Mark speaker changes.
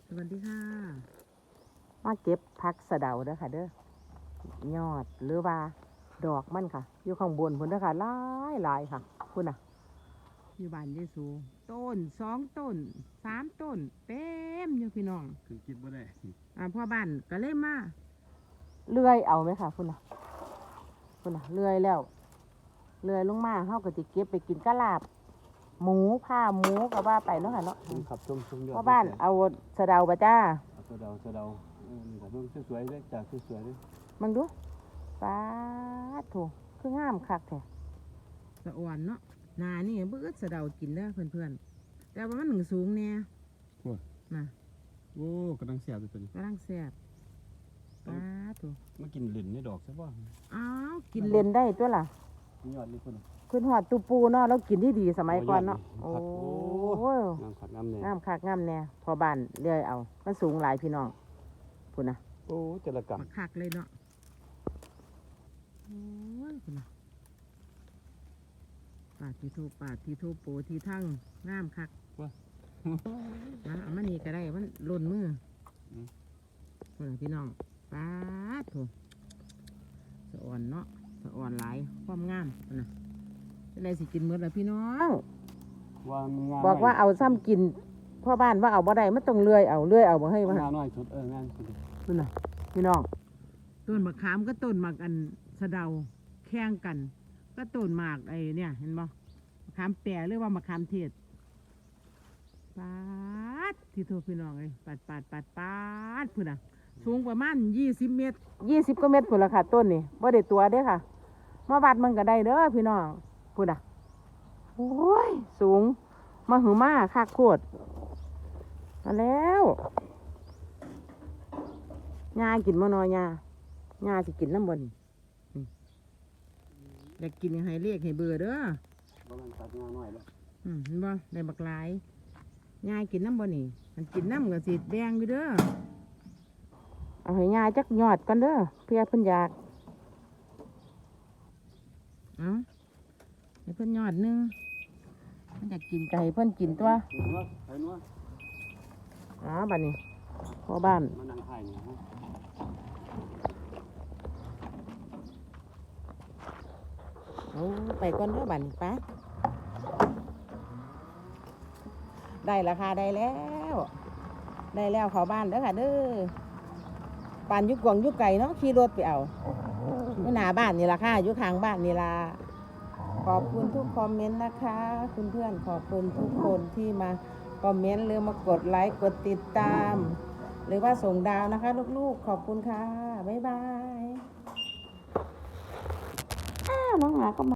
Speaker 1: สวัสดีค่ะมาเก็บผักสะเดาเด้อค่ะเด้อยอดหรือว่าดอกมันค่ะอยู่ข้างบนพุ่นเด้อค่ะหลายค่ะพุ่นน่ะอยู่บ้านเยซูต้น2 ต้น3 ต้นเต็มอยู่พี่น้อง
Speaker 2: คือคิดว่าได้
Speaker 1: พ่อบ้านก็เลยมาเลื่อยเอาไหมค่ะพุ่นน่ะเลื่อยแล้วเลื่อยลงมาเฮาก็สิเก็บไปกินกะลาบหมูผ้าหมูก็ว่าไปเนาะค่ะเนาะ
Speaker 2: ครับชมยอด
Speaker 1: พ่อบ้านเอาสะเดาบ่จ้า
Speaker 2: สะเดานี่ครับมันสวยๆเลยจากสวยๆเลย
Speaker 1: มึงดูป้าโถคืองามคักแท้สะอ่อนเนาะนานี่เบื่อสะเดากินเด้อเพื่อนๆแต่ว่ามันหนึ่งสูงแน่น่ะ
Speaker 2: โอ้กำลังแซ่บเลยตัวนี้
Speaker 1: กำลังแซ่บป้าโถ
Speaker 2: มากินเหรียญนี่ดอกใช่ป่ะ
Speaker 1: อ้าวกินเล่นได้ตัวล่ะ
Speaker 2: ยอดเลยคน
Speaker 1: ขึ้นหอดตูปูเนาะแล้วกินที่ดีสมัยก่อนเนาะโอ้
Speaker 2: งามขัดงามแน่
Speaker 1: งามคักงามแน่พอบ้านเลื่อยเอามันสูงหลายพี่น้องพุ่นน่ะ
Speaker 2: โอ้เจรกรรม
Speaker 1: คักเลยเนาะโอ้ยพุ่นน่ะปาดที่ทูโปที่ทั้งงามคักเอามานี่ก็ได้มันหล่นมือพุ่นน่ะพี่น้องปาดโถสะอ่อนเนาะสะอ่อนหลายความงามพุ่นน่ะจะได้สิกินมื้อละพี่น้องบอกว่าเอาซ้ำกินพ่อบ้านว่าเอาบ่ได้มันต้องเลื่อยเอาบ่ให้ว่าง
Speaker 2: านน้อยสุดงานสุด
Speaker 1: พุ่นน่ะพี่น้องต้นมะขามก็ต้นหมากอันสะเดาแข่งกันก็ต้นหมากไอ้เนี่ยเห็นบ่มะขามแปรหรือว่ามะขามเทศปาดที่โทรพี่น้องเลยปาดพุ่นน่ะสูงประมาณ20 เมตร20 กว่าเมตรพุ่นละค่ะต้นนี่บ่ได้ตัวเด้อค่ะมาวัดมันก็ได้เด้อพี่น้องพุ่นน่ะโอ้ยสูงมาหือมาคักโคตรมาแล้วยากินมานอยาสิกินน้ำบนอยากกินให้เรียกให้เบื่อเด้อ
Speaker 2: ประมาณตัดงานน้อยแล้ว
Speaker 1: เห็นบ่ได้บักหลายยากินน้ำบนนี่มันกินน้ำกับสีแดงอยู่เด้อเอาให้ยาจักยอดกันเด้อเพื่อเพิ่นอยากเอาให้เพิ่นยอดนึงมันอยากกินไก่เพิ่นกินตัวบัดนี้พ่อบ้าน
Speaker 2: มานั่งถ่ายเนี่ย
Speaker 1: ไปก่อนเด้อบัดนี้ป้าได้ราคาได้แล้วเข้าบ้านเด้อค่ะเด้อบ้านยุกกวางยุกไก่เนาะขี่รถไปเอาอยู่หน้าบ้านนี่ล่ะค่ะอยู่ข้างบ้านนี่ล่ะขอบคุณทุกคอมเมนต์นะคะคุณเพื่อนขอบคุณทุกคนที่มาคอมเมนต์หรือมากดไลค์กดติดตามหรือว่าส่งดาวนะคะลูกๆขอบคุณค่ะบ๊ายบายน้องหมาก็มา